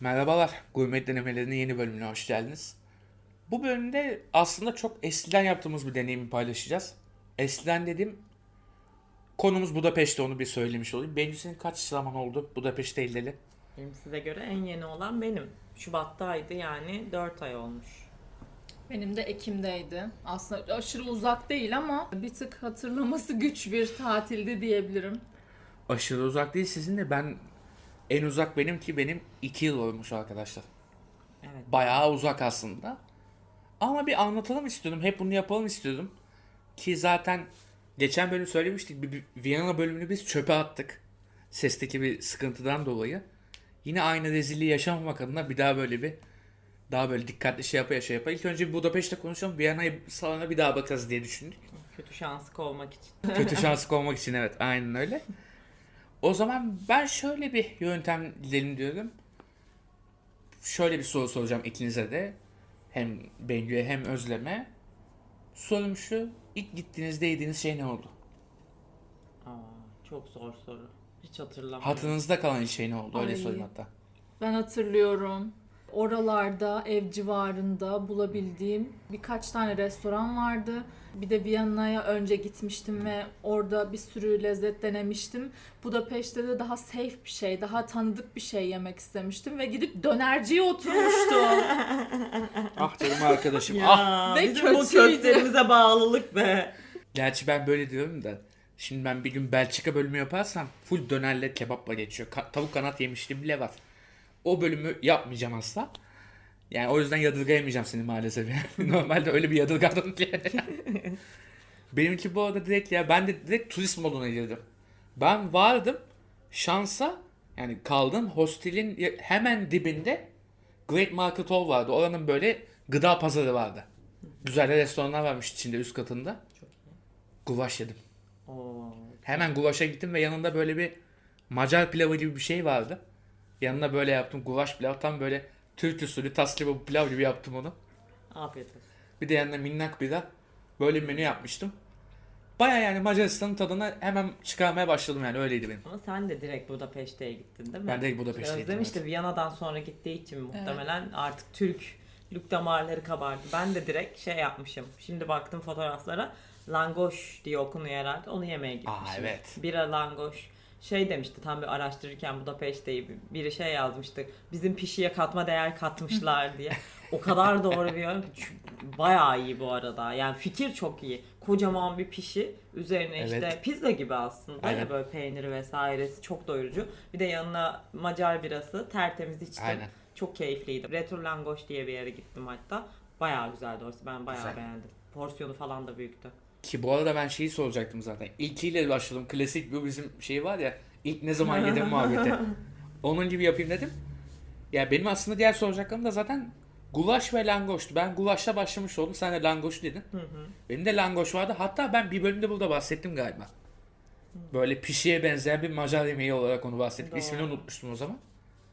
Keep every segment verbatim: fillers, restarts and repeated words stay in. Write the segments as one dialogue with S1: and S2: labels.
S1: Merhabalar, Gurme Denemelerinin yeni bölümüne hoş geldiniz. Bu bölümde aslında çok eskiden yaptığımız bir deneyimi paylaşacağız. Eskiden dediğim konumuz Budapeşte, onu bir söylemiş olayım. Bence senin kaç zaman oldu Budapeşte ilgili?
S2: Benim size göre en yeni olan benim. Şubat'taydı yani dört ay olmuş.
S3: Benim de Ekim'deydi. Aslında aşırı uzak değil ama bir tık hatırlaması güç bir tatildi diyebilirim.
S1: Aşırı uzak değil sizin de, ben en uzak benim ki benim iki yıl olmuş arkadaşlar.
S2: Evet.
S1: Bayağı uzak aslında. Ama bir anlatalım istiyordum, hep bunu yapalım istiyordum. Ki zaten geçen bölüm söylemiştik, bir, bir Viyana bölümünü biz çöpe attık. Sesteki bir sıkıntıdan dolayı. Yine aynı rezilliği yaşamamak adına bir daha böyle bir daha böyle dikkatli şey yapa şey yapa. İlk önce bir Budapeşte konuşalım. Viyana'yı salona bir daha bakarız diye düşündük.
S2: Kötü şansı kovmak için.
S1: Kötü şansı kovmak için, evet, aynen öyle. O zaman ben şöyle bir yöntem gidelim diyorum. Şöyle bir soru soracağım ikinize de. Hem Bengü'ye hem Özlem'e. Sorum şu: İlk gittiğinizde yediğiniz şey ne oldu?
S2: Aa, çok zor soru. Hiç hatırlamıyorum.
S1: Hatırınızda kalan şey ne oldu? Öyle
S3: Ay.
S1: sorayım hatta.
S3: Ben hatırlıyorum. Oralarda, ev civarında bulabildiğim birkaç tane restoran vardı. Bir de Viyana'ya önce gitmiştim ve orada bir sürü lezzet denemiştim. Budapeşte de daha safe bir şey, daha tanıdık bir şey yemek istemiştim ve gidip dönerciye oturmuştum.
S1: Ah canım arkadaşım,
S2: Ya
S1: ah.
S3: Ve
S2: bizim bu
S3: kötüydü.
S2: köklerimize bağlılık be.
S1: Gerçi ben böyle diyorum da. Şimdi ben bir gün Belçika bölümü yaparsam full dönerle kebapla geçiyor. Ka- tavuk kanat yemişliğim bile var. O bölümü yapmayacağım asla. Yani o yüzden yadırgayamayacağım seni maalesef. Yani. Normalde öyle bir yadırgadım ki. Benimki bu arada direkt, ya ben de direkt turist moduna girdim. Ben vardım şansa, yani kaldım hostelin hemen dibinde Great Market Hall vardı. Oranın böyle gıda pazarı vardı. Güzel de restoranlar varmış içinde, üst katında.
S2: Çok iyi.
S1: Gulaş yedim.
S2: Oo.
S1: Hemen gulaşa gittim ve yanında böyle bir Macar pilavı gibi bir şey vardı. Yanına böyle yaptım gulaş pilav, tam böyle Türk usulü tas kebabı pilav gibi yaptım onu.
S2: Afiyet olsun.
S1: Bir de yanına minnak bira, böyle bir menü yapmıştım. Baya yani Macaristan'ın tadına hemen çıkarmaya başladım, yani öyleydi benim.
S2: Ama sen de direkt Budapeşte'ye gittin değil mi?
S1: Ben direkt Budapeşte'ye
S2: Özlem
S1: gittim,
S2: işte
S1: evet.
S2: Viyana'dan sonra gittiği için muhtemelen artık Türklük damarları kabardı. Ben de direkt şey yapmışım. Şimdi baktım fotoğraflara. Langoş diye okunuyor herhalde. Onu yemeye gitmişim.
S1: Aa, evet.
S2: Bira langoş. Şey demişti tam bir araştırırken Budapeşte'yi, biri şey yazmıştı. Bizim pişiye katma değer katmışlar diye. O kadar doğru bir yorum ki. Bayağı iyi bu arada. Yani fikir çok iyi. Kocaman bir pişi. Üzerine
S1: Evet.
S2: işte pizza gibi aslında.
S1: Aynen.
S2: Ya böyle peyniri vesairesi çok doyurucu. Bir de yanına Macar birası. Tertemiz içtim.
S1: Aynen.
S2: Çok keyifliydi. Retro Langoş diye bir yere gittim hatta. Bayağı güzeldi orası. Ben bayağı
S1: Güzel.
S2: beğendim. Porsiyonu falan da büyüktü.
S1: Ki bu arada ben şeyi soracaktım zaten. İlkiyle başladım. Klasik bu bizim şey var ya. İlk ne zaman yedim muhabbeti. Onun gibi yapayım dedim. Ya benim aslında diğer soracaklarım da zaten gulaş ve langoştu. Ben gulaşla başlamış oldum. Sen de langoş dedin.
S2: Hı hı.
S1: Benim de langoş vardı. Hatta ben bir bölümde burada bahsettim galiba. Böyle pişiye benzeyen bir Macar yemeği olarak onu bahsettim.
S2: Doğru.
S1: İsmini unutmuştum o zaman.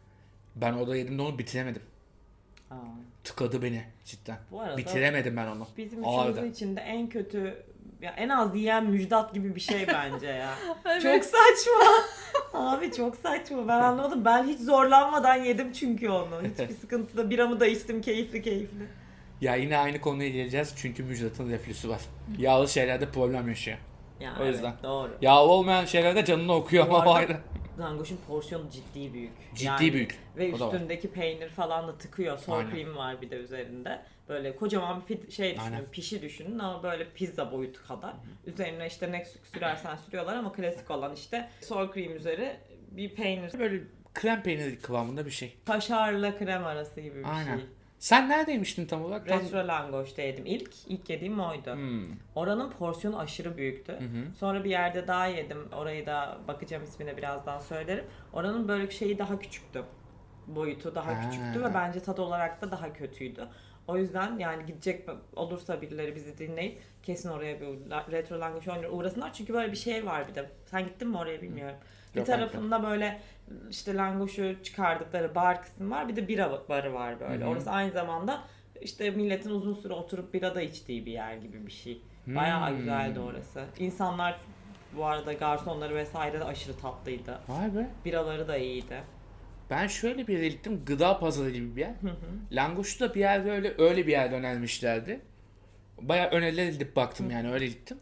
S1: Ben orada yedim de onu bitiremedim.
S2: Aa.
S1: Tıkadı beni cidden.
S2: Bu arada
S1: Bitiremedim ben onu.
S2: bizim
S1: Ağırdı.
S2: üçümüzün içinde en kötü, ya en az yiyen Müjdat gibi bir şey bence ya.
S3: Evet.
S2: Çok saçma. Abi çok saçma. Ben anlamadım. Ben hiç zorlanmadan yedim çünkü onu. Hiçbir sıkıntı da, biramı da içtim keyifli keyifli.
S1: Ya yine aynı konuya geleceğiz çünkü Müjdat'ın reflüsü var. Yağlı şeylerde problem yaşıyor.
S2: Yani
S1: O yüzden.
S2: evet, doğru.
S1: Yağlı olmayan şeylerde canını okuyor
S2: Bu
S1: ama o
S2: arada
S1: ayrı.
S2: Langoş'un porsiyonu ciddi büyük.
S1: Ciddi büyük.
S2: Ve
S1: O da var.
S2: üstündeki peynir falan da tıkıyor. Sour
S1: Aynen.
S2: cream var bir de üzerinde. Böyle kocaman bir pi- şey düşünün,
S1: Aynen.
S2: pişi düşünün ama böyle pizza boyutu kadar. Üzerine işte ne sürersen sürüyorlar ama klasik olan işte sour cream üzeri bir peynir.
S1: Böyle krem peyniri kıvamında bir şey.
S2: Kaşarla krem arası gibi bir
S1: Aynen.
S2: şey.
S1: Sen neredeymiştin tam olarak? Tam...
S2: Retro Langoş'ta yedim ilk. İlk yediğim oydu.
S1: Hmm.
S2: Oranın porsiyonu aşırı büyüktü.
S1: Hı hı.
S2: Sonra bir yerde daha yedim. Orayı da bakacağım, ismine birazdan söylerim. Oranın böyle şeyi daha küçüktü. Boyutu daha
S1: Ha.
S2: küçüktü ve bence tat olarak da daha kötüydü. O yüzden yani gidecek olursa birileri bizi dinleyip kesin oraya bir retro langoş uğrasınlar. Çünkü böyle bir şey var bir de. Sen gittin mi oraya bilmiyorum. Bir
S1: Yok,
S2: tarafında böyle işte langoşu çıkardıkları bar kısmı var. Bir de bira barı var böyle.
S1: Hı hı.
S2: Orası aynı zamanda işte milletin uzun süre oturup bira da içtiği bir yer gibi bir şey. Bayağı
S1: Hmm.
S2: güzeldi orası. İnsanlar bu arada, garsonları vesaire de aşırı tatlıydı.
S1: Vay be.
S2: Biraları da iyiydi.
S1: Ben şöyle bir yere gittim. Gıda pazarı gibi bir yer. Langoş'u da bir yerde öyle öyle bir yerde önermişlerdi. Bayağı öneriler gidip baktım yani öyle gittim.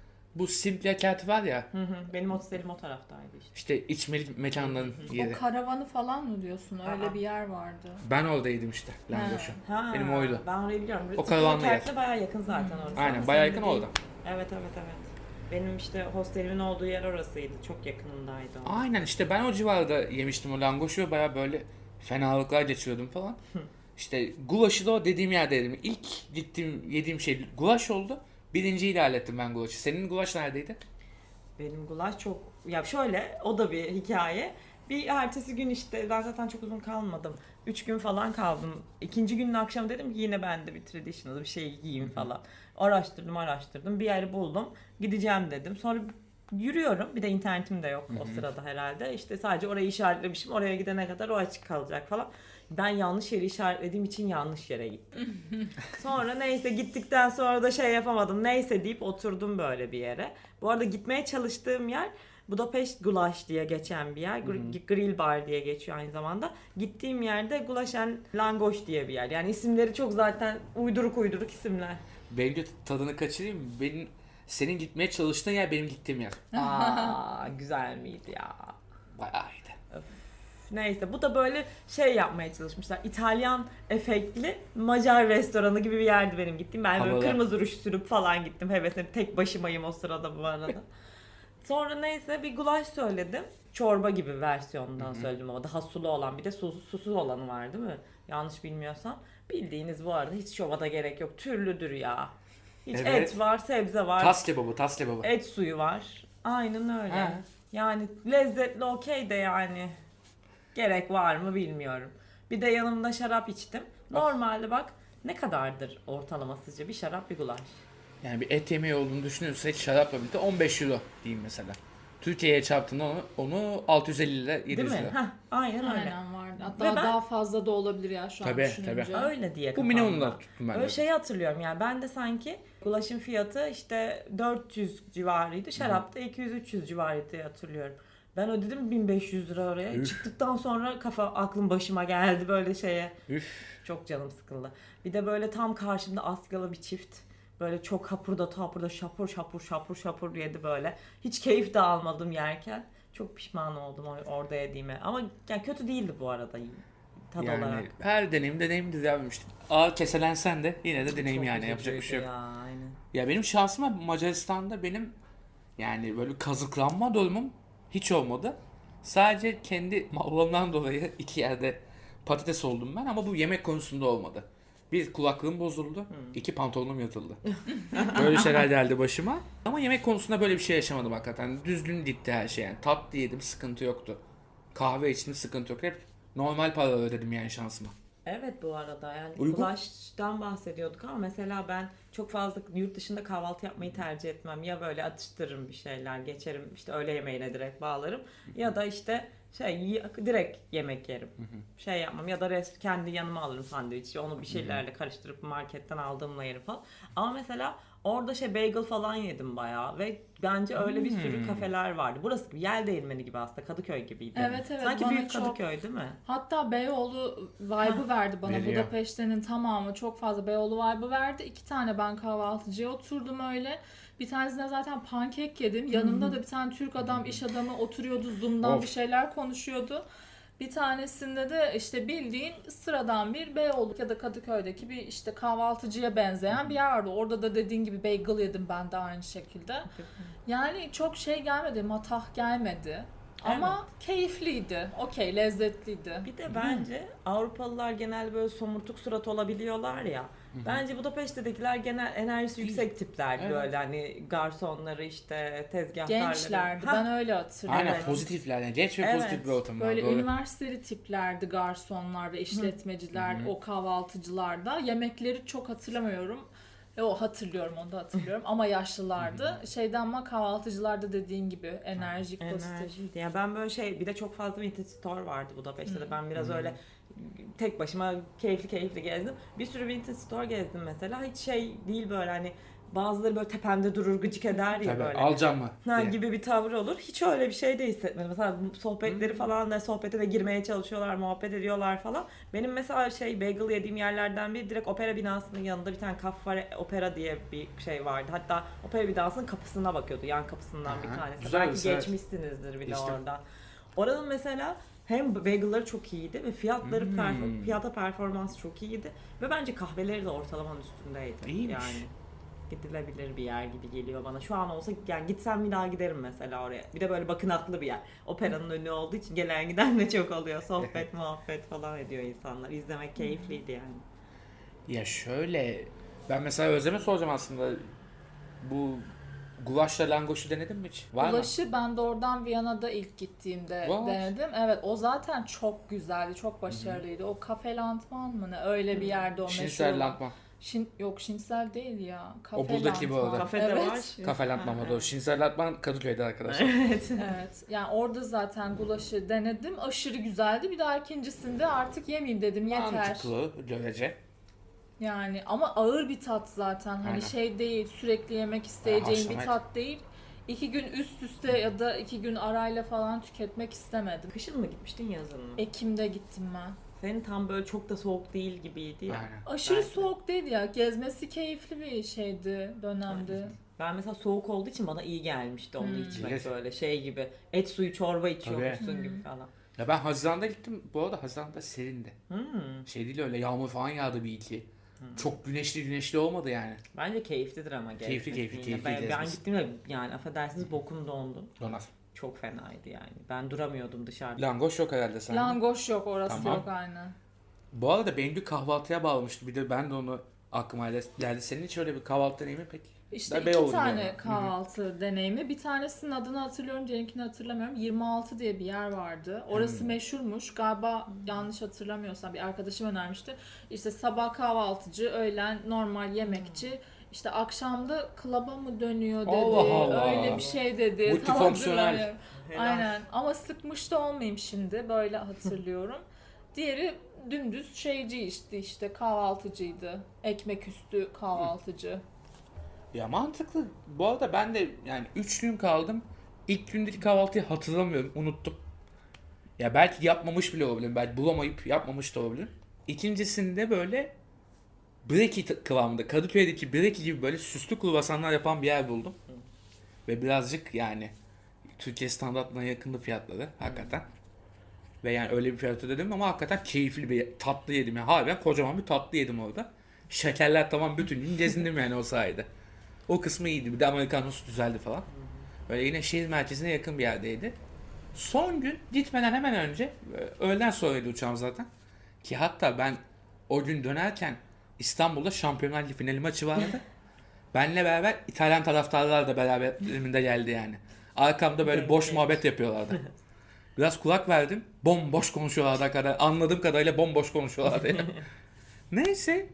S1: Bu Simple Cat var ya,
S2: Hı hı. Benim hostelim o taraftaydı işte.
S1: işte içmeli mekanların yeri.
S3: O karavanı falan mı diyorsun? Öyle
S2: Aa.
S3: bir yer vardı.
S1: Ben oradaydım işte Langoş'u.
S2: Ha,
S1: Benim oydu.
S2: Ben orayı biliyorum.
S1: O karavanlı yer.
S2: Simple bayağı yakın zaten orası.
S1: Aynen,
S2: Ama
S1: bayağı
S2: senin
S1: yakın
S2: dediğin-
S1: orada.
S2: Evet evet evet. Benim işte hostelimin olduğu yer orasıydı. Çok yakınındaydı o.
S1: Aynen işte ben o civarda yemiştim o langoşu ve baya böyle fenalıklar geçiriyordum falan. İşte gulaşı da o dediğim yerde yedim. İlk gittiğim yediğim şey gulaş oldu. Birinciyi de hallettim ben gulaşı. Senin gulaş neredeydi?
S2: Benim gulaş çok... Ya şöyle, o da bir hikaye. Bir ertesi gün işte, ben zaten çok uzun kalmadım. Üç gün falan kaldım. İkinci günün akşamı dedim ki yine ben de bir traditional bir şey giyeyim falan. Araştırdım araştırdım. Bir yeri buldum. Gideceğim dedim. Sonra yürüyorum. Bir de internetim de yok o sırada herhalde. İşte sadece orayı işaretlemişim. Oraya gidene kadar o açık kalacak falan. Ben yanlış yeri işaretlediğim için yanlış yere gittim. Sonra neyse gittikten sonra da şey yapamadım. Neyse deyip oturdum böyle bir yere. Bu arada gitmeye çalıştığım yer Budapest Gulaş diye geçen bir yer. Gr- Grill Bar diye geçiyor aynı zamanda. Gittiğim yerde Gulaş and Langoş diye bir yer. Yani isimleri çok zaten uyduruk uyduruk isimler.
S1: Benim de tadını kaçırayım mı? Benim, senin gitmeye çalıştığın yer benim gittiğim yer.
S2: Aa güzel miydi ya?
S1: Bayağı iyiydi.
S2: Neyse bu da böyle şey yapmaya çalışmışlar. İtalyan efektli Macar restoranı gibi bir yerdi benim gittiğim. Ben böyle
S1: Havalı.
S2: kırmızı ruj sürüp falan gittim. Hevesle tek başımayım o sırada bu arada. Sonra neyse bir gulaş söyledim. Çorba gibi versiyonundan söyledim ama daha sulu olan bir de susuz, susuz olanı var değil mi? Yanlış bilmiyorsam. Bildiğiniz bu arada hiç şova da gerek yok. Türlüdür ya. Hiç
S1: Evet.
S2: et var, sebze var.
S1: Tas kebabı, tas kebabı.
S2: Et suyu var. Aynen öyle.
S1: Ha.
S2: Yani lezzetli okey de yani gerek var mı bilmiyorum. Bir de yanımda şarap içtim. Normalde bak ne kadardır ortalama sizce bir şarap bir gulaş?
S1: Yani bir et yemeği olduğunu düşünüyorsak şarapla birlikte on beş euro diyeyim mesela. Türkiye'ye çarptığında onu, onu altı yüz elli lira yedi
S2: Değil
S1: yüz
S2: mi?
S1: lira.
S2: Heh, aynen öyle.
S3: Aynen vardı. Hatta
S2: Ve ben-
S3: daha fazla da olabilir ya şu an
S1: Tabii,
S3: düşününce.
S1: tabii.
S2: Öyle diye
S1: Bu
S2: kafamda.
S1: minimumlar tuttum ben de.
S2: Öyle şeyi hatırlıyorum yani ben de sanki gulaşın fiyatı işte dört yüz civarıydı. Şarap da iki yüz üç yüz civarıydı diye hatırlıyorum. Ben ödedim bin beş yüz lira oraya.
S1: Üf.
S2: Çıktıktan sonra kafa aklım başıma geldi böyle şeye.
S1: Üf.
S2: Çok canım sıkıldı. Bir de böyle tam karşımda Asyalı bir çift. Böyle çok hapurda tapurda şapur şapur şapur şapur yedi böyle. Hiç keyif de almadım yerken. Çok pişman oldum or- orada yediğime. Ama yani kötü değildi bu arada tad
S1: Yani
S2: olarak.
S1: her deneyim deneyimdir ya. İşte ağır keselensen de yine de deneyim
S2: Çok
S1: yani yapacak bir şey yok.
S2: üzücüydü ya, aynen.
S1: Ya benim şansıma Macaristan'da benim yani böyle kazıklanma durumum hiç olmadı. Sadece kendi mallarımdan dolayı iki yerde patates oldum ben ama bu yemek konusunda olmadı. Bir kulaklığım bozuldu, iki pantolonum yatıldı. Böyle şeyler geldi başıma. Ama yemek konusunda böyle bir şey yaşamadım hakikaten. Düzgün gitti her şey yani. Tatlı yedim, sıkıntı yoktu. Kahve içtim, sıkıntı yok. Hep normal para ödedim yani şansıma.
S2: Evet bu arada yani
S1: Uygun.
S2: gulaştan bahsediyorduk ama mesela ben çok fazla yurt dışında kahvaltı yapmayı tercih etmem. Ya böyle atıştırırım bir şeyler, geçerim işte öğle yemeğine direkt bağlarım ya da işte şey y- direkt yemek yerim. Şey yapmam ya da rest kendi yanıma alırım sandviçi onu bir şeylerle karıştırıp marketten aldığımla yerim falan. Ama mesela orada şey bagel falan yedim bayağı ve bence öyle bir sürü
S1: Hmm.
S2: kafeler vardı. Burası gibi yel değirmeni gibi aslında Kadıköy gibiydi.
S3: Evet, evet,
S2: Sanki
S3: bana
S2: büyük
S3: çok-
S2: Kadıköy değil mi?
S3: Hatta Beyoğlu vibe'ı verdi bana.
S1: veriyor.
S3: Budapeşte'nin tamamı çok fazla Beyoğlu vibe'ı verdi. İki tane ben kahvaltıcıya oturdum öyle. Bir tanesine zaten pankek yedim. Yanımda da bir tane Türk adam, iş adamı oturuyordu. Zoom'dan
S1: Of.
S3: bir şeyler konuşuyordu. Bir tanesinde de işte bildiğin sıradan bir Beyoğlu ya da Kadıköy'deki bir işte kahvaltıcıya benzeyen bir yer vardı. Orada da dediğin gibi bagel yedim ben de aynı şekilde. Yani çok şey gelmedi, matah gelmedi. Ama keyifliydi. Okey, lezzetliydi.
S2: Bir de bence Avrupalılar genel böyle somurtuk surat olabiliyorlar ya. Bence Budapeşte'dekiler genel enerjisi yüksek tiplerdi
S1: Evet.
S2: böyle hani garsonları işte tezgahtarları.
S3: Gençlerdi.
S2: Ha,
S3: Ben öyle hatırlıyorum.
S1: Aynen
S2: Evet.
S1: pozitifler yani genç ve
S2: Evet.
S1: pozitif bir ortam var.
S3: Böyle
S1: Doğru.
S3: üniversiteli tiplerdi garsonlar ve işletmeciler, o kahvaltıcılar da. Yemekleri çok hatırlamıyorum. E, o hatırlıyorum, onu da hatırlıyorum ama yaşlılardı. Şeyden ama kahvaltıcılarda dediğin gibi enerjik, pozitif.
S2: enerjiydi. Yani ben böyle şey bir de çok fazla vintage store vardı Budapeşte'de. Ben biraz öyle tek başıma keyifli keyifli gezdim. Bir sürü vintage store gezdim mesela. Hiç şey değil böyle hani bazıları böyle tepemde durur, gıcık eder ya
S1: Tabii,
S2: böyle.
S1: alacağım mı
S2: Ha,
S1: diye.
S2: gibi bir tavır olur. Hiç öyle bir şey de hissetmedim. Mesela sohbetleri
S1: Hmm.
S2: falan da sohbete de girmeye çalışıyorlar, muhabbet ediyorlar falan. Benim mesela şey bagel yediğim yerlerden biri direkt opera binasının yanında bir tane Caffare Opera diye bir şey vardı. Hatta opera binasının kapısına bakıyordu. Yan kapısından bir
S1: Aha,
S2: tanesi.
S1: güzel,
S2: Belki
S1: güzel.
S2: geçmişsinizdir bile
S1: İşte.
S2: oradan. Oranın mesela hem bagel'ları çok iyiydi ve fiyatları
S1: Hmm.
S2: perform- fiyata performans çok iyiydi ve bence kahveleri de ortalamanın üstündeydi.
S1: İyiymiş.
S2: Yani gidilebilir bir yer gibi geliyor bana. Şu an olsa yani gitsem bir daha giderim mesela oraya. Bir de böyle bakınaklı bir yer. Operanın önü olduğu için gelen giden de çok oluyor. Sohbet, muhabbet falan ediyor insanlar. İzlemek keyifliydi yani.
S1: Ya şöyle, ben mesela Özlem'e soracağım aslında. Bu gulaşla langoşu denedin mi hiç? Var mı?
S3: Ulaşı ben de oradan Viyana'da ilk gittiğimde
S1: What?
S3: denedim. Evet, o zaten çok güzeldi, çok başarılıydı. O Cafe Lantman mı ne? Öyle bir yerde o meşhur
S1: Şinsel
S3: olan.
S1: Lantman.
S3: Şin, yok Şinsel değil ya. Cafe
S1: O buradaki bu
S3: Lantman.
S1: arada.
S2: Kafede
S3: evet.
S2: var.
S1: Kafe Lantman o da o. Şinsel Lantman Kadıköy'de arkadaşlar.
S2: Evet.
S3: Evet. Yani orada zaten gulaşı denedim. Aşırı güzeldi. Bir daha ikincisinde artık yemeyeyim dedim. Yeter.
S1: Mantıklı görece.
S3: Yani ama ağır bir tat zaten. Hani
S1: Aynen.
S3: şey değil, sürekli yemek isteyeceğin bir
S1: haşlamak.
S3: tat değil. İki gün üst üste ya da iki gün arayla falan tüketmek istemedim.
S2: Kışın mı gitmiştin, yazın mı?
S3: Ekim'de gittim ben.
S2: Senin tam böyle çok da soğuk değil gibiydi ya.
S1: Aynen.
S3: Aşırı
S2: Belki.
S3: soğuk değil ya. Gezmesi keyifli bir şeydi, dönemdi.
S2: Ben mesela soğuk olduğu için bana iyi gelmişti onu
S3: Hmm.
S2: içmek
S1: Evet.
S2: böyle şey gibi. Et suyu çorba içiyormuşsun
S3: Tabii.
S2: gibi falan.
S1: Ya ben Haziran'da gittim. Bu arada Haziran'da serindi.
S2: Hmm.
S1: Şey değil öyle, yağmur falan yağdı bir iki. Çok güneşli güneşli olmadı yani.
S2: Bence keyiflidir ama gezmesi.
S1: Keyifli, keyifli,
S2: yine.
S1: keyifli
S2: Ben, ben
S1: gezmesi.
S2: gittiğimde yani affedersiniz bokum dondu.
S1: Donar.
S2: Çok fenaydı yani. Ben duramıyordum dışarıda.
S1: Langoş yok herhalde sende.
S3: Langoş yok, orası
S1: Tamam.
S3: yok aynen.
S1: Bu arada Bengü kahvaltıya bağlamıştı. Bir de ben de onu aklıma geldi. Senin hiç öyle bir kahvaltı deneyimi peki?
S3: İşte
S1: Ben
S3: iki
S1: Beyoğlu'nda
S3: tane
S1: yani.
S3: kahvaltı deneyimi. Bir tanesinin adını hatırlıyorum, diğerinkini hatırlamıyorum. yirmi altı diye bir yer vardı. Orası
S1: Hmm.
S3: meşhurmuş. Galiba yanlış hatırlamıyorsam bir arkadaşım önermişti. İşte sabah kahvaltıcı, öğlen normal yemekçi. İşte akşamda klaba mı dönüyor dedi.
S1: Allah Allah.
S3: Öyle bir şey dedi. Tam
S1: Multifonksiyonel.
S3: hatırlamıyorum.
S2: Helal.
S3: Aynen. Ama sıkmış da olmayayım şimdi. Böyle hatırlıyorum. Diğeri dümdüz şeyci işte işte kahvaltıcıydı. Ekmek üstü kahvaltıcı.
S1: Ya mantıklı. Bu arada ben de yani üç gün kaldım. İlk gündeki kahvaltıyı hatırlamıyorum. Unuttum. Ya belki yapmamış bile olabilirim. Belki bulamayıp yapmamış da olabilirim. İkincisinde böyle breki t- kıvamında. Kadıköy'deki breki gibi böyle süslü kruvasanlar yapan bir yer buldum. Ve birazcık yani Türkiye standartlarına yakındı fiyatları hakikaten. Ve yani öyle bir fiyat ödedim ama hakikaten keyifli bir tatlı yedim. Yani harbiden kocaman bir tatlı yedim orada. Şekerler tamam, bütün gün gezindim yani o sayede. O kısmı iyiydi. Bir de Amerikanos güzeldi falan. Böyle yine şehir merkezine yakın bir yerdeydi. Son gün gitmeden hemen önce e, öğleden sonraydı uçağım zaten. Ki hatta ben o gün dönerken İstanbul'da Şampiyonlar Ligi finali maçı vardı. Benle beraber İtalyan taraftarlar da beraberinde geldi yani. Arkamda böyle boş muhabbet yapıyorlardı. Biraz kulak verdim. Bomboş konuşuyorlardı kadar. Anladığım kadarıyla bomboş konuşuyorlardı. Yani. Neyse.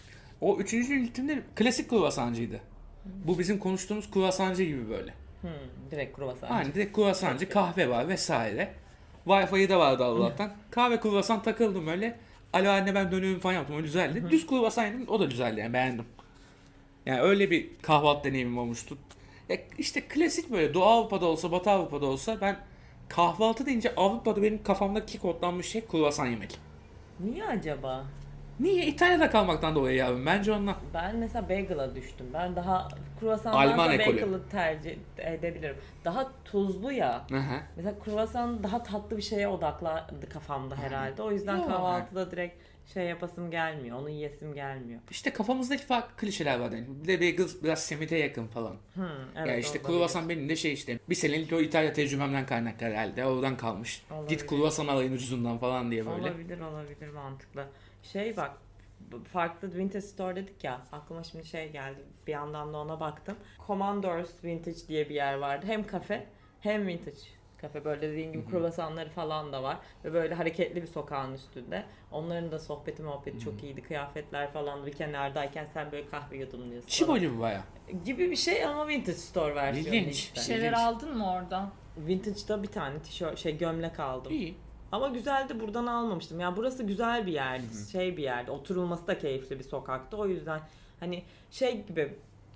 S1: O üçüncü gün gittiğimde klasik kruvasancıydı. Bu bizim konuştuğumuz kruvasancı gibi böyle.
S2: Hmm, direkt kruvasan.
S1: Aynen direkt kruvasancı, kahve var vesaire. Wi-Fi'yi de vardı Allah'tan. Kahve kruvasan takıldım öyle. Alo anne ben dönüyorum falan yaptım. O güzeldi. Düz kruvasan yedim. O da güzeldi yani, beğendim. Yani öyle bir kahvaltı deneyimim olmuştu. Ya işte klasik böyle Doğu Avrupa'da olsa Batı Avrupa'da olsa ben kahvaltı deyince Avrupa'da benim kafamdaki kodlanmış şey kruvasan yemek.
S2: Niye acaba?
S1: Niye? İtalya'da kalmaktan dolayı yavrum. Bence ondan.
S2: Ben mesela bagel'a düştüm. Ben daha kruvasandan
S1: Alman
S2: da
S1: ekolü.
S2: bagel'ı tercih edebilirim. Daha tuzlu ya.
S1: Hı hı.
S2: Mesela kruvasan daha tatlı bir şeye odaklandı kafamda herhalde. O yüzden
S1: Yok.
S2: kahvaltıda direkt şey yapasım gelmiyor. Onu yiyesim gelmiyor.
S1: İşte kafamızdaki farklı klişeler var. Yani. Bir de bagel biraz simite yakın falan.
S2: Hmm, evet,
S1: Ya işte
S2: olabilir.
S1: kruvasan benim de şey işte bir senelik o İtalya tecrübemden kaynaklı herhalde. Oradan kalmış.
S2: Olabilir.
S1: Git kruvasan alayın ucuzundan falan diye böyle.
S2: Olabilir olabilir mantıklı. Şey bak, farklı vintage store dedik ya, aklıma şimdi şey geldi, bir yandan da ona baktım. Commodores Vintage diye bir yer vardı. Hem kafe hem vintage kafe, böyle dediğin gibi kruvasanları falan da var ve böyle hareketli bir sokağın üstünde. Onların da sohbeti muhabbeti çok iyiydi. Kıyafetler falan, bir kenardayken sen böyle kahve yudumluyorsun
S1: Çibo
S2: falan.
S1: gibi baya.
S2: Gibi bir şey ama vintage store versiyonu
S1: İlginç.
S2: işte.
S3: Bir şeyler
S1: İlginç.
S3: aldın mı oradan?
S2: Vintage'da bir tane tişört, şey gömlek aldım.
S1: İyi.
S2: Ama güzeldi, buradan almamıştım. Yani burası güzel bir yerdi, şey bir yerdi. Oturulması da keyifli bir sokaktı. O yüzden hani şey gibi,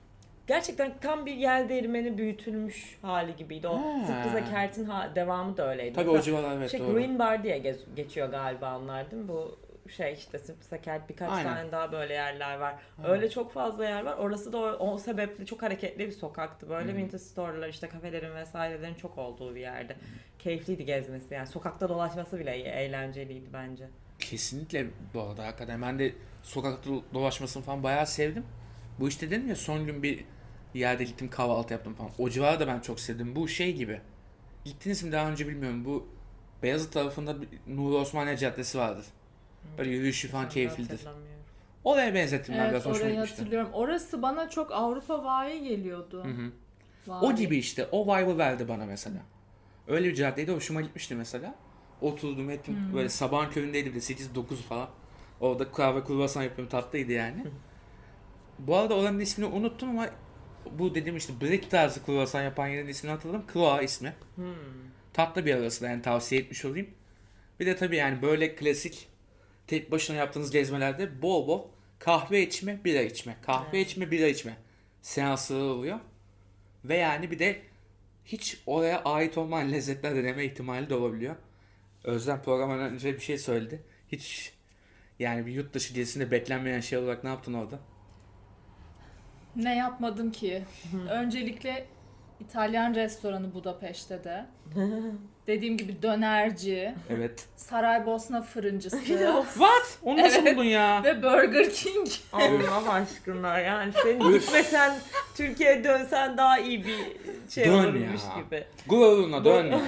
S2: Gerçekten tam bir yel değirmeni büyütülmüş hali gibiydi. O
S1: Ha.
S2: Sıkıza Kert'in ha- devamı da öyleydi.
S1: Tabii
S2: Mesela
S1: o civarlar evet
S2: şey,
S1: doğru.
S2: Green Bar diye gez- geçiyor galiba onlar değil mi? Bu şey işte Sıkıza Kert birkaç
S1: Aynen.
S2: tane daha böyle yerler var.
S1: Ha.
S2: Öyle çok fazla yer var. Orası da o, o sebeple çok hareketli bir sokaktı. Böyle
S1: Hı.
S2: vintage store'lar işte kafelerin vesairelerin çok olduğu bir yerde. Keyifliydi gezmesi yani. Sokakta dolaşması bile eğlenceliydi bence.
S1: Kesinlikle bu arada hakikaten ben de sokakta dolaşmasını falan bayağı sevdim. Bu işte dedim ya son gün bir yerde gittim kahvaltı yaptım falan. O civarı da ben çok sevdim. Bu şey gibi. Gittiniz mi daha önce bilmiyorum. Bu Beyazıt tarafında bir Nuri Osmaniye Caddesi vardır. Böyle yürüyüşü falan
S2: Ben de
S1: keyiflidir.
S2: hatırlamıyorum.
S1: Oraya benzettim ben
S3: Evet,
S1: biraz hoşuma
S3: orayı
S1: gitmişti.
S3: hatırlıyorum. Orası bana çok Avrupa vayi geliyordu.
S1: Hı hı.
S3: Vayi.
S1: O gibi işte. O vibe'ı verdi bana mesela. Öyle bir caddeydi. Hoşuma gitmişti mesela. Oturdum ettim.
S3: Hmm.
S1: Böyle sabahın köründeydi bir de sekiz dokuz falan. Orada kahve kruvasan yapıyorum. Tatlıydı yani. Bu arada oranın ismini unuttum ama bu dediğim işte brick tarzı kruvasan yapan yerin ismini hatırladım. Kroa ismi.
S2: Hmm.
S1: Tatlı bir arası da yani tavsiye etmiş olayım. Bir de tabii yani böyle klasik tek başına yaptığınız gezmelerde bol bol kahve içme, bira içme. Kahve
S2: Evet.
S1: içme, bira içme seansları oluyor. Ve yani bir de hiç oraya ait olmayan lezzetler deneme ihtimali de olabiliyor. Özlem programdan önce bir şey söyledi. Hiç yani bir yurt dışı gezisinde beklenmeyen şey olarak ne yaptın orada?
S3: Ne yapmadım ki? Öncelikle İtalyan restoranı Budapeşte de. Dediğim gibi dönerci,
S1: Evet.
S3: Saraybosna fırıncısı
S1: What? Onu nasıl
S3: Evet.
S1: buldun ya?
S3: ve Burger King.
S2: Allah aşkına yani senin gitmesen Türkiye'ye dönsen daha iyi bir şey
S1: Dön
S2: olurmuş
S1: ya.
S2: gibi.
S1: Gururuna dön ya.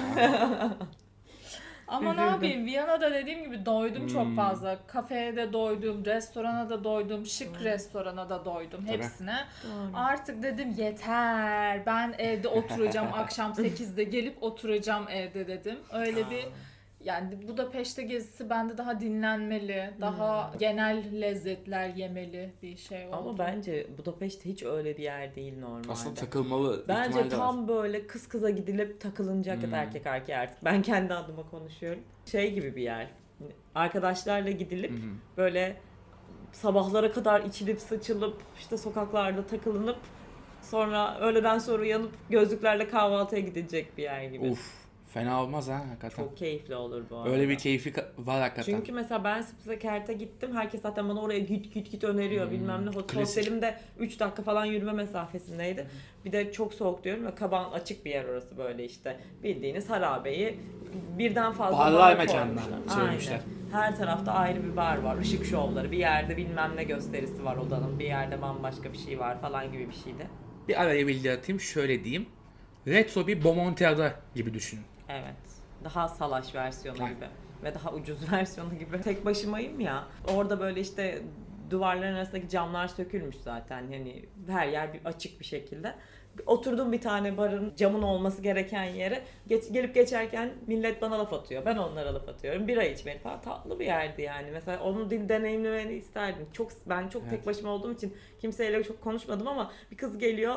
S3: Ama ne
S2: Üzüldüm.
S3: yapayım, Viyana'da dediğim gibi doydum
S1: Hmm.
S3: çok fazla. Kafeye de doydum, restorana da doydum, şık restorana da doydum,
S1: Tabii.
S3: hepsine. Artık dedim yeter, ben evde oturacağım akşam sekizde gelip oturacağım evde dedim. Öyle bir yani Budapeşte gezisi bende daha dinlenmeli, daha genel lezzetler yemeli bir şey oldu.
S2: Ama bence Budapeşte hiç öyle bir yer değil normalde.
S1: Aslında takılmalı
S2: Bence
S1: ihtimali de var.
S2: tam böyle kız kıza gidilip takılınacak
S1: Hmm.
S2: erkek erkeğe artık. Ben kendi adıma konuşuyorum. Şey gibi bir yer. Arkadaşlarla gidilip
S1: Hı hı.
S2: böyle sabahlara kadar içilip sıçılıp işte sokaklarda takılınıp sonra öğleden sonra uyanıp gözlüklerle kahvaltıya gidilecek bir yer gibi.
S1: Uf, fena olmaz ha hakikaten.
S2: Çok keyifli olur bu arada.
S1: Öyle bir keyfi ka- var hakikaten.
S2: Çünkü mesela ben Spitze Kert'e gittim. Herkes zaten bana oraya git git git öneriyor
S1: Hmm,
S2: bilmem ne. Hot-
S1: klasik.
S2: Hostelim de üç dakika falan yürüme mesafesindeydi. Bir de çok soğuk diyorum ve kaban açık bir yer orası böyle işte. Bildiğiniz harabeyi birden fazla
S1: Barlar
S2: bar
S1: mekanlar
S2: koymuşlar.
S1: çevirmişler.
S2: Aynen. Her tarafta ayrı bir bar var. Işık şovları. Bir yerde bilmem ne gösterisi var odanın. Bir yerde bambaşka bir şey var falan gibi bir şeydi.
S1: Bir araya bilgi atayım şöyle diyeyim. Retro bir Bomontiada gibi düşünün.
S2: Evet. Daha salaş versiyonu
S1: Aynen.
S2: gibi ve daha ucuz versiyonu gibi. Tek başımayım ya. Orada böyle işte duvarların arasındaki camlar sökülmüş zaten. Hani her yer bir açık bir şekilde. Oturdum bir tane barın camın olması gereken yere. Geç, gelip geçerken millet bana laf atıyor. Ben onlara laf atıyorum. Bira içmeli falan. Tatlı bir yerdi yani. Mesela onu din deneyimlemeni isterdim. Çok ben çok
S1: Evet.
S2: tek başıma olduğum için kimseyle çok konuşmadım ama bir kız geliyor.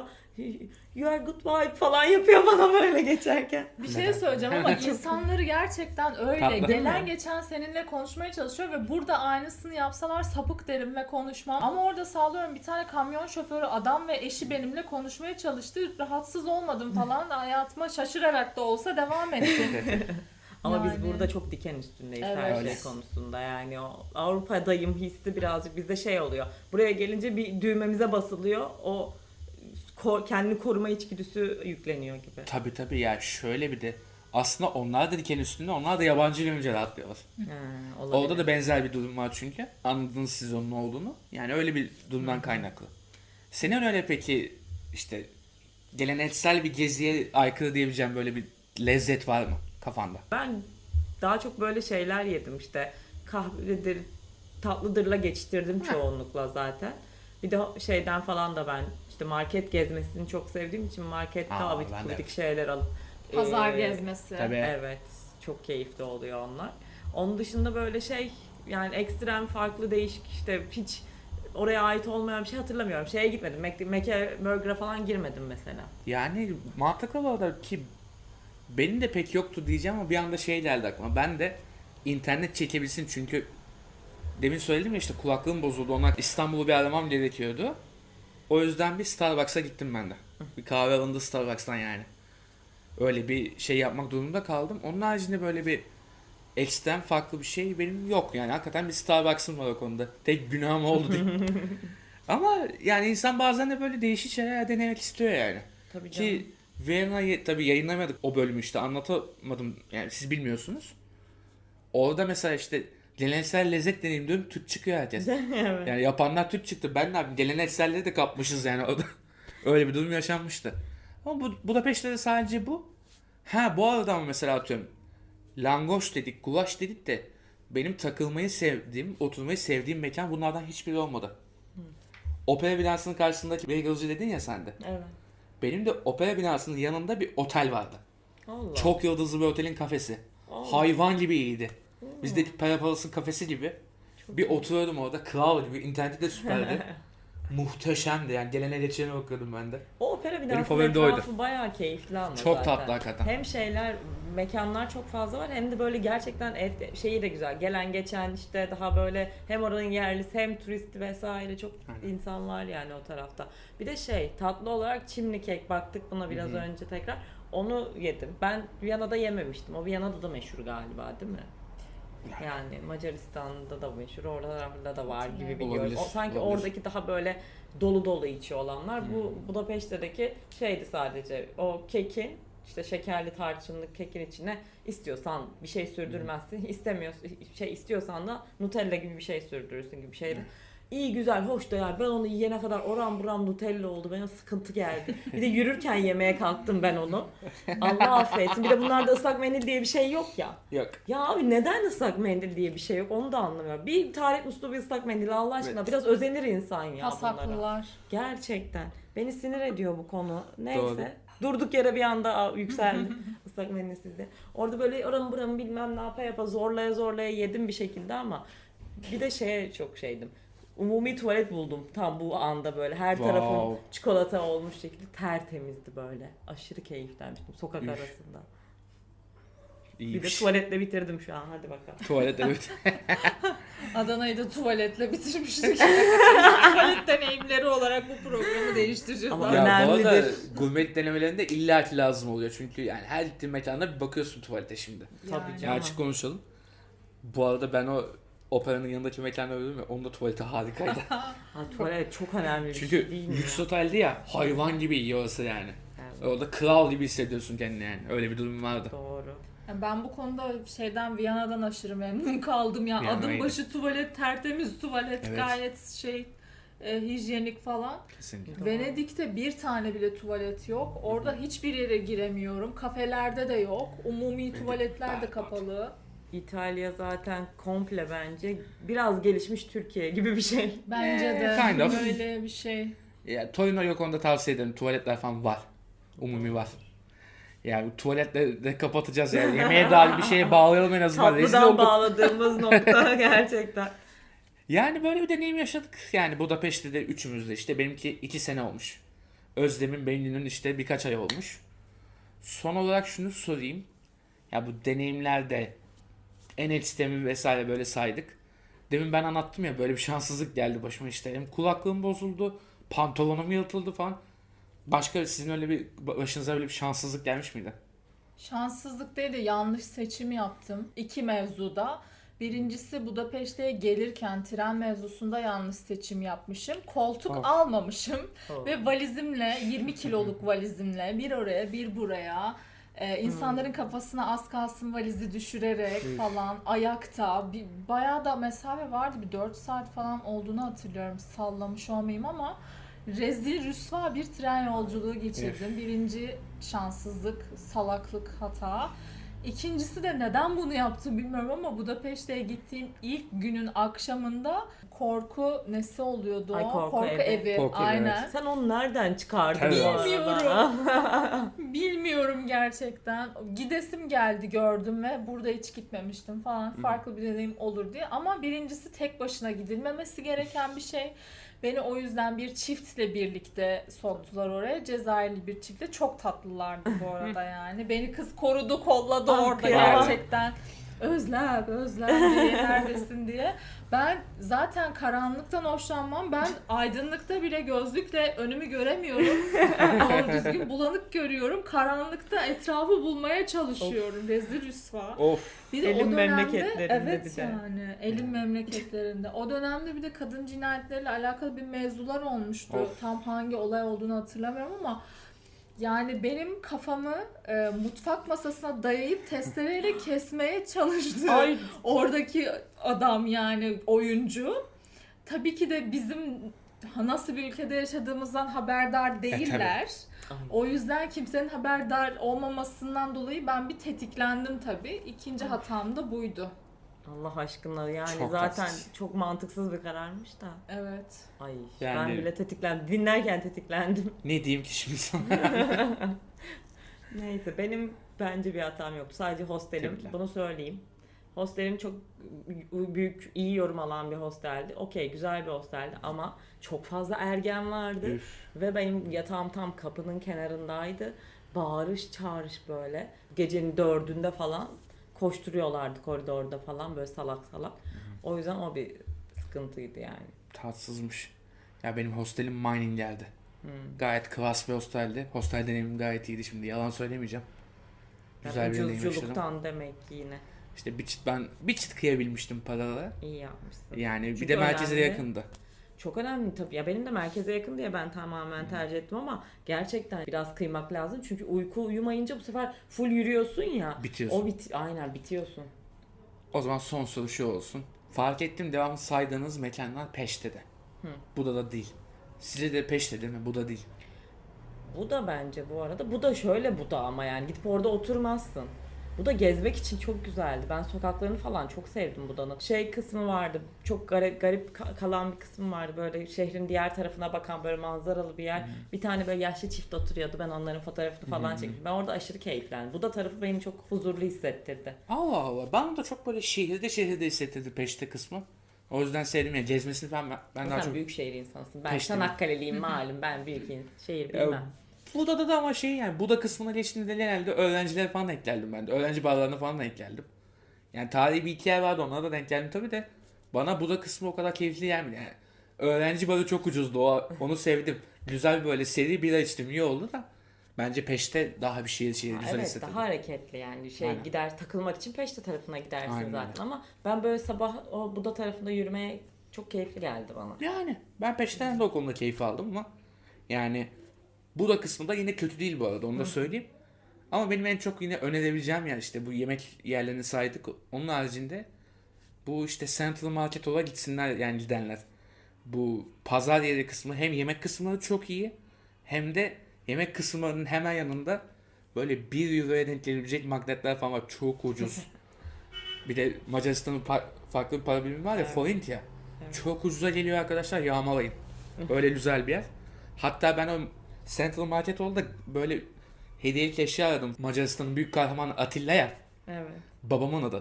S2: You are good vibe falan yapıyor bana böyle geçerken.
S3: Bir şey söyleyeceğim ama insanları gerçekten öyle.
S1: Tatlı değil
S3: Gelen
S2: mi?
S3: geçen seninle konuşmaya çalışıyor ve burada aynısını yapsalar sapık derim ve konuşmam. Ama orada sağlıyorum bir tane kamyon şoförü adam ve eşi benimle konuşmaya çalıştı. Rahatsız olmadım falan. Hayatıma şaşırarak da olsa devam ettim.
S2: Ama
S3: Yani.
S2: biz burada çok diken üstündeyiz
S3: Evet.
S2: her
S1: Öyle.
S2: şey konusunda. Yani o Avrupa'dayım hissi birazcık bizde şey oluyor. Buraya gelince bir düğmemize basılıyor. O ko- kendini koruma içgüdüsü yükleniyor gibi.
S1: Tabi tabi ya şöyle bir de aslında onlar da diken üstünde onlar da yabancı görünce rahatlıyorlar.
S2: Ha, olabilir.
S1: Orada da benzer bir durum var çünkü. Anladınız siz onun ne olduğunu. Yani öyle bir durumdan kaynaklı. Senin öyle peki işte geleneksel bir geziye aykırı diyebileceğim böyle bir lezzet var mı kafanda?
S2: Ben daha çok böyle şeyler yedim işte kahvedir, tatlıdırla geçiştirdim çoğunlukla zaten. Bir de şeyden falan da ben işte market gezmesini çok sevdiğim için markette
S1: Aa,
S2: abidik
S1: ben de
S2: gubidik şeyler alıp
S3: Pazar
S2: eee,
S3: gezmesi.
S1: Tabii.
S2: Evet, çok keyifli oluyor onlar. Onun dışında böyle şey yani ekstrem farklı değişik işte hiç oraya ait olmayan bir şey hatırlamıyorum. Şeye gitmedim. Mac- Mac'e Burger'a falan girmedim mesela.
S1: Yani mantıklı olarak ki benim de pek yoktu diyeceğim ama bir anda şey geldi aklıma. Ben de internet çekebilsin çünkü demin söyledim ya işte kulaklığım bozuldu. Ona İstanbul'u bir aramam gerekiyordu. O yüzden bir Starbucks'a gittim ben de. Bir kahve alındı Starbucks'tan yani. Öyle bir şey yapmak durumunda kaldım. Onun haricinde böyle bir ekstrem farklı bir şey benim yok. Yani hakikaten bir Starbucks'ım var o konuda. Tek günahım oldu değil. Ama yani insan bazen de böyle değişik şeyler denemek istiyor yani.
S2: Tabii canım.
S1: Ki Viyana'yı tabii yayınlamadık o bölümü işte anlatamadım yani siz bilmiyorsunuz. Orada mesela işte geleneksel lezzet deneyim diyorum Türk çıkıyor herkes.
S2: Evet.
S1: Yani yapanlar Türk çıktı. Ben ne yapayım gelenekselleri de kapmışız yani orada. Öyle bir durum yaşanmıştı. Ama bu Budapeşte de sadece bu. Ha bu arada ama mesela atıyorum langoş dedik, gulaş dedik de benim takılmayı sevdiğim, oturmayı sevdiğim mekan bunlardan hiçbiri olmadı. Opera binasının karşısındaki Bagelci dedin ya sen de.
S2: Evet.
S1: Benim de opera binasının yanında bir otel vardı.
S2: Allah.
S1: Çok yıldızlı bir otelin kafesi.
S2: Allah.
S1: Hayvan gibi iyiydi. Bizdeki Para Palas'ın kafesi gibi.
S2: Çok
S1: Bir oturuyordum orada kral gibi. İnterneti de süperdi. Muhteşemdi yani gelene geçene bakıyordum ben de.
S2: O opera
S1: Benim
S2: binasının
S1: favorim de oydu.
S2: etrafı bayağı keyifli ama
S1: Çok
S2: zaten.
S1: tatlı hakikaten.
S2: Hem şeyler, mekanlar çok fazla var hem de böyle gerçekten et, şeyi de güzel. Gelen geçen işte daha böyle hem oranın yerlisi hem turisti vesaire çok
S1: Aynen.
S2: insan var yani o tarafta. Bir de şey tatlı olarak çimli kek baktık buna biraz
S1: Hı hı.
S2: önce tekrar. Onu yedim. Ben Viyana'da yememiştim. O Viyana'da da meşhur galiba değil mi? Yani Macaristan'da da meşhur, oralarda da var gibi biliyorum.
S1: Olabilir,
S2: O, sanki
S1: olabilir.
S2: oradaki daha böyle dolu dolu içi olanlar. Bu
S1: Hmm.
S2: Budapeşte'deki şeydi sadece o kekin işte şekerli tarçınlı kekin içine istiyorsan bir şey sürdürmezsin, istemiyorsan şey istiyorsan da Nutella gibi bir şey sürdürürsün gibi bir şeydi. İyi güzel hoş da yani ben onu yiyene kadar oram buram Nutella oldu, bana sıkıntı geldi. Bir de yürürken yemeye kalktım ben onu. Allah affetsin. Bir de bunlarda ıslak mendil diye bir şey yok ya.
S1: Yok.
S2: Ya abi neden ıslak mendil diye bir şey yok onu da anlamıyorum. Bir tarih musluğu bir ıslak mendil Allah aşkına
S1: Evet.
S2: biraz özenir insan ya bunlara.
S3: Pasaklılar.
S2: Gerçekten. Beni sinir ediyor bu konu. Neyse.
S1: Doğru.
S2: Durduk yere bir anda yükseldi ıslak mendilsizde. Orada böyle oramı buramı bilmem ne yapa yapa zorlaya zorlaya yedim bir şekilde ama bir de şeye çok şeydim. Umumi tuvalet buldum tam bu anda böyle. Her
S1: Wow.
S2: tarafım çikolata olmuş şekilde tertemizdi böyle. Aşırı keyiflenmiştim sokak
S1: Üf.
S2: arasında. Bir de
S1: İyiymiş.
S2: tuvaletle bitirdim şu an. Hadi bakalım.
S1: Tuvalet evet.
S3: Adana'yı da tuvaletle bitirmiştik. Tuvalet deneyimleri olarak bu programı değiştireceğiz.
S2: Ama
S3: abi.
S1: Ya bu arada
S2: önemlidir.
S1: gurmelik denemelerinde illaki lazım oluyor. Çünkü yani her gittiğin mekanda bir bakıyorsun tuvalete şimdi.
S2: Tabii
S3: Yani.
S2: canım.
S1: Ya açık konuşalım. Bu arada ben o operanın yanındaki mekanda öldüm ya onun da tuvaleti harikaydı.
S2: Ha, tuvalet çok önemli bir
S1: Çünkü
S2: şey değil mi
S1: lüks
S2: ya?
S1: oteldi ya hayvan gibi iyi orası yani.
S2: Evet,
S1: Orada kral gibi hissediyorsun kendini yani. Öyle bir durum vardı.
S2: doğru.
S3: Yani ben bu konuda şeyden Viyana'dan aşırı memnun kaldım ya.
S1: Viyana
S3: Adım
S1: iyiydi.
S3: başı tuvalet, tertemiz tuvalet,
S1: Evet.
S3: gayet şey e, hijyenik falan.
S1: Kesinlikle.
S2: Doğru.
S3: Venedik'te bir tane bile tuvalet yok. Orada hiçbir yere giremiyorum. Kafelerde de yok. Umumi tuvaletler de
S1: berbat.
S3: kapalı.
S2: İtalya zaten komple bence biraz gelişmiş Türkiye gibi bir şey.
S3: Bence
S1: Eh,
S3: de
S1: kind of.
S3: böyle bir şey.
S1: Ya, Torino'yu konuda tavsiye ederim. Tuvaletler falan var. Umumi var. Yani tuvaletle de kapatacağız yani. Yemeğe dair bir şeye bağlayalım en azından. Rezil
S2: Tatlıdan
S1: olduk.
S2: bağladığımız nokta gerçekten.
S1: Yani böyle bir deneyim yaşadık. Yani Budapeşte de üçümüz de işte. Benimki iki sene olmuş. Özlem'in Bennu'nun işte birkaç ay olmuş. Son olarak şunu sorayım. Ya bu deneyimlerde en ekstremi vesaire böyle saydık. Demin ben anlattım ya böyle bir şanssızlık geldi başıma işte. Hem kulaklığım bozuldu, pantolonum yırtıldı falan. Başka sizin öyle bir başınıza öyle bir şanssızlık gelmiş miydi?
S3: Şanssızlık değil de yanlış seçim yaptım. İki mevzuda. Birincisi Budapeşte'ye gelirken tren mevzusunda yanlış seçim yapmışım. Koltuk
S1: Of.
S3: almamışım
S2: Oh.
S3: ve valizimle yirmi kiloluk valizimle bir oraya bir buraya e, insanların kafasına az kalsın valizi düşürerek
S1: Üf.
S3: falan ayakta bir, bayağı da mesafe vardı, bir dört saat falan olduğunu hatırlıyorum, sallamış olmayayım ama rezil rüsva bir tren yolculuğu geçirdim. Birinci şanssızlık, salaklık, hata. İkincisi de neden bunu yaptım bilmiyorum ama Budapeşte'ye gittiğim ilk günün akşamında korku nesi oluyordu o?
S2: Ay, korku evi.
S3: evi.
S1: Korku evi,
S3: Aynen.
S1: evet.
S2: Sen onu nereden çıkardın
S1: Tabii.
S2: bu arada?
S3: Bilmiyorum. Bilmiyorum gerçekten. Gidesim geldi, gördüm ve burada hiç gitmemiştim falan. Farklı bir deneyim olur diye. Ama birincisi tek başına gidilmemesi gereken bir şey. Beni o yüzden bir çiftle birlikte soktular oraya. Cezayirli bir çiftle. Çok tatlılardı bu arada yani. Beni kız korudu, kolladı
S2: Ah,
S3: orada
S2: kıyamam.
S3: gerçekten. Özlem, Özlem diye neredesin diye. Ben zaten karanlıktan hoşlanmam. Ben aydınlıkta bile gözlükle önümü göremiyorum. Doğru düzgün bulanık görüyorum. Karanlıkta etrafı bulmaya çalışıyorum. Rezil rüsva.
S1: Of.
S3: Bir de
S2: Elin
S3: o dönemde
S2: memleketlerinde
S3: evet
S2: bir de.
S3: yani elin memleketlerinde. O dönemde bir de kadın cinayetleriyle alakalı bir mevzular olmuştu.
S1: Of.
S3: Tam hangi olay olduğunu hatırlamıyorum ama yani benim kafamı e, mutfak masasına dayayıp testereyle kesmeye çalıştı.
S2: Ay.
S3: Oradaki adam yani oyuncu. Tabii ki de bizim nasıl bir ülkede yaşadığımızdan haberdar değiller.
S2: Ay.
S3: O yüzden kimsenin haberdar olmamasından dolayı ben bir tetiklendim tabii. İkinci hatam da buydu.
S2: Allah aşkına yani
S1: Çok
S2: zaten
S1: tatsız.
S2: çok mantıksız bir kararmış da.
S3: Evet.
S2: Ay
S1: Yani-
S2: ben bile tetiklendim. Dinlerken tetiklendim.
S1: Ne diyeyim ki şimdi sana?
S2: Neyse benim bence bir hatam yoktu. Sadece hostelim.
S1: Tebrikler.
S2: Bunu söyleyeyim. Hostelim çok büyük, iyi yorum alan bir hosteldi. Okey, güzel bir hosteldi ama çok fazla ergen vardı.
S1: Üf.
S2: Ve benim yatağım tam kapının kenarındaydı. Bağırış çağırış böyle. Gecenin dördünde falan koşturuyorlardı koridorda falan böyle salak salak. O yüzden o bir sıkıntıydı yani.
S1: Tatsızmış. Ya benim hostelim Mining geldi.
S2: Hmm.
S1: Gayet klas bir hosteldi. Hostel deneyimim gayet iyiydi şimdi. Yalan söylemeyeceğim. Güzel
S2: Yani
S1: bir deneyim yaşadım.
S2: ucuzculuktan demek ki yine.
S1: İşte bir çıt ben bir çıt kıyabilmiştim paralara.
S2: İyi yapmışsın.
S1: Yani bir
S2: Çünkü
S1: de merkeze
S2: önemli.
S1: yakındı.
S2: Çok önemli tabii. Ya benim de merkeze yakın diye ben tamamen tercih ettim ama gerçekten biraz kıymak lazım. Çünkü uyku uyumayınca bu sefer full yürüyorsun ya.
S1: Bitiyorsun.
S2: O bit aynen bitiyorsun.
S1: O zaman son soru şu olsun. Fark ettim devamlı saydığınız mekanlar Peşte'de.
S2: Hı.
S1: Buda'da değil. Sizce de Peşte değil mi? Buda değil.
S2: Bu da bence bu arada. Bu da şöyle bu da ama yani gidip orada oturmazsın. Bu da gezmek için çok güzeldi. Ben sokaklarını falan çok sevdim Buda'nın. Şey kısmı vardı. Çok garip, garip ka- kalan bir kısmı vardı. Böyle şehrin diğer tarafına bakan böyle manzaralı bir yer. Bir tane böyle yaşlı çift oturuyordu. Ben onların fotoğrafını falan çektim. Ben orada aşırı keyiflendim. Buda tarafı beni çok huzurlu hissettirdi.
S1: Allah Allah. Bana da çok böyle şehirde şehirde hissettirdi Peşte kısmı. O yüzden sevdim ya. Gezmesini falan ben, ben daha
S2: Sen
S1: çok...
S2: büyük şehir insansın. Ben
S1: Peşte mi?
S2: Çanakkale'liyim malum. Ben büyük in- şehir
S1: Ya,
S2: bilmem.
S1: Buda'da da ama şey yani Buda kısmına geçtiğinde genelde öğrenciler falan eklerdim ben de. Öğrenci barlarına falan da eklerdim. Yani tarihi bir iki yer vardı onlara da denk geldim tabii de. Bana Buda kısmı o kadar keyifli gelmedi yani. Öğrenci barı çok ucuzdu o, onu sevdim. Güzel bir böyle seri bira içtim iyi oldu da. Bence Peşte daha bir şehir şehir
S2: Ha,
S1: güzel
S2: evet
S1: hissettirdi.
S2: daha hareketli yani şey
S1: Aynen.
S2: gider takılmak için Peşte tarafına gidersin
S1: Aynen
S2: zaten
S1: öyle.
S2: ama ben böyle sabah o Buda tarafında yürümeye çok keyifli geldi bana.
S1: Yani ben Peşte'den de o konuda keyif aldım ama yani Buda kısmı da yine kötü değil bu arada onu da söyleyeyim. Ama benim en çok yine önerebileceğim yer işte bu yemek yerlerini saydık. Onun haricinde bu işte Central Market olarak gitsinler yani gidenler. Bu pazar yeri kısmı hem yemek kısımları çok iyi hem de yemek kısımlarının hemen yanında böyle bir euroya denk gelebilecek magnetler falan var. Çok ucuz. Bir de Macaristan'ın par- farklı bir para birimi var ya
S2: Evet.
S1: forint ya.
S2: Evet.
S1: Çok ucuza geliyor arkadaşlar yağmalayın. Öyle güzel bir yer. Hatta ben o Central Market oldu da böyle hediyelik eşya aradım. Macaristan'ın büyük kahramanı Atilla ya.
S2: Evet.
S1: Babamın adı.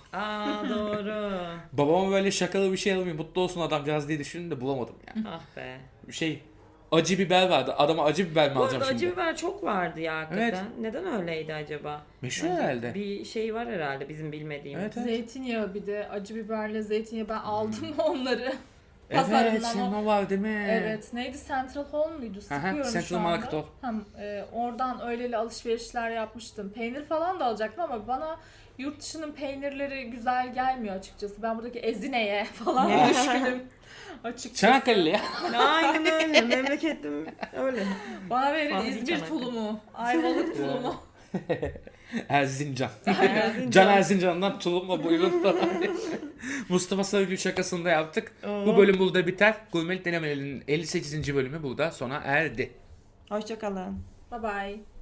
S2: Aa doğru.
S1: Babama böyle şakalı bir şey alayım mutlu olsun adamcağız diye düşündüm de bulamadım yani.
S2: Ah be.
S1: Şey acı biber vardı. Adama acı biber mi
S2: Bu
S1: alacağım
S2: arada
S1: şimdi?
S2: acı biber çok vardı ya hakikaten.
S1: Evet.
S2: Neden öyleydi acaba?
S1: Meşhur
S2: Bence
S1: herhalde.
S2: Bir şey var herhalde bizim bilmediğimiz.
S1: Evet, evet.
S3: Zeytinyağı bir de acı biberle zeytinyağı ben aldım onları.
S1: Evet
S3: Pazarından
S1: senin
S3: o.
S1: o var değil mi?
S3: Evet. Neydi? Central Hall muydu?
S1: Aha,
S3: Sıkıyorum
S1: Central
S3: şu anda.
S1: Market Hall.
S3: Hem, e, oradan öyleli alışverişler yapmıştım. Peynir falan da alacaktım ama bana yurt dışının peynirleri güzel gelmiyor açıkçası. Ben buradaki Ezine'ye falan düşkünüm açıkçası.
S1: Çanakkale ya.
S2: Aynen öyle. Memleketim öyle.
S3: Bana verin
S2: Fahri
S3: İzmir
S2: Çanakkale.
S3: tulumu, Ayvalık tulumu.
S1: Erzincan.
S2: Erzincan.
S1: Can Erzincan'dan tulumla buyurun falan diye. Mustafa Sarıgül şakasını da yaptık.
S2: Oo.
S1: Bu bölüm burada biter. Gurmelik Denemelerinin elli sekizinci bölümü burada sona erdi.
S2: Hoşçakalın.
S3: Bye bye.